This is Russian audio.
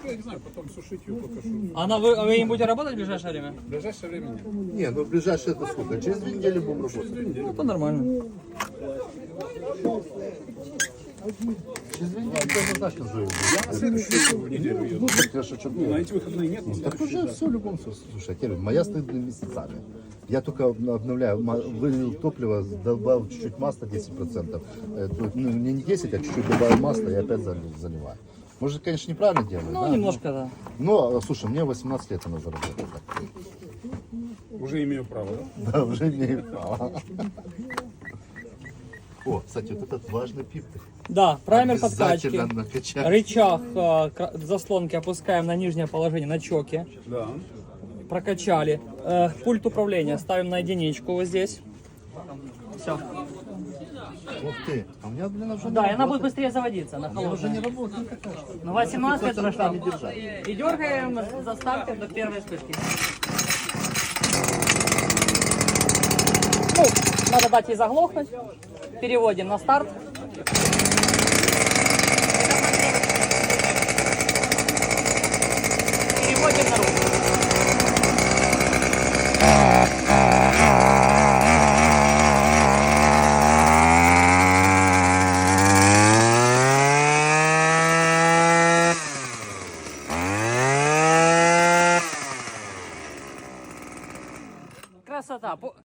я не знаю, потом сушить ее только что. Вы им будете работать в ближайшее время? В ближайшее время нет. Не, ну в ближайшее это сколько? Через 2 недели будем работать. Это нормально. Через 2 недели ты однозначно живем. Я на следующую неделю еду. Ну, так я шучу. На эти выходные нет. на Так следующую, уже да. все в любом случае. Слушай, Кирилл, моя стоит месяцами. Я только обновляю, вылил топливо, добавил чуть-чуть масла 10%. Ну, не 10, а чуть-чуть добавил масла и опять заливаю. Может, конечно, неправильно делаю, Ну, да? немножко, да. Но, слушай, мне 18 лет надо заработать. Уже имею право, да? Да, уже имею право. О, кстати, вот этот важный пиптик. Да, праймер подкачки. Обязательно накачать. Рычаг заслонки опускаем на нижнее положение, на чоке. Да. Прокачали. Пульт управления ставим на единичку вот здесь. Все. Ух ты, а у меня, блин, уже Да, и не она будет работает. быстрее заводиться, она Она уже не холодная. работает какая-то. Ну, 18 лет Кстати, прошла. не держать. И дергаем за стартер до первой вспышки. Ну, надо дать ей заглохнуть. Переводим на старт. Переводим на руку. Красота.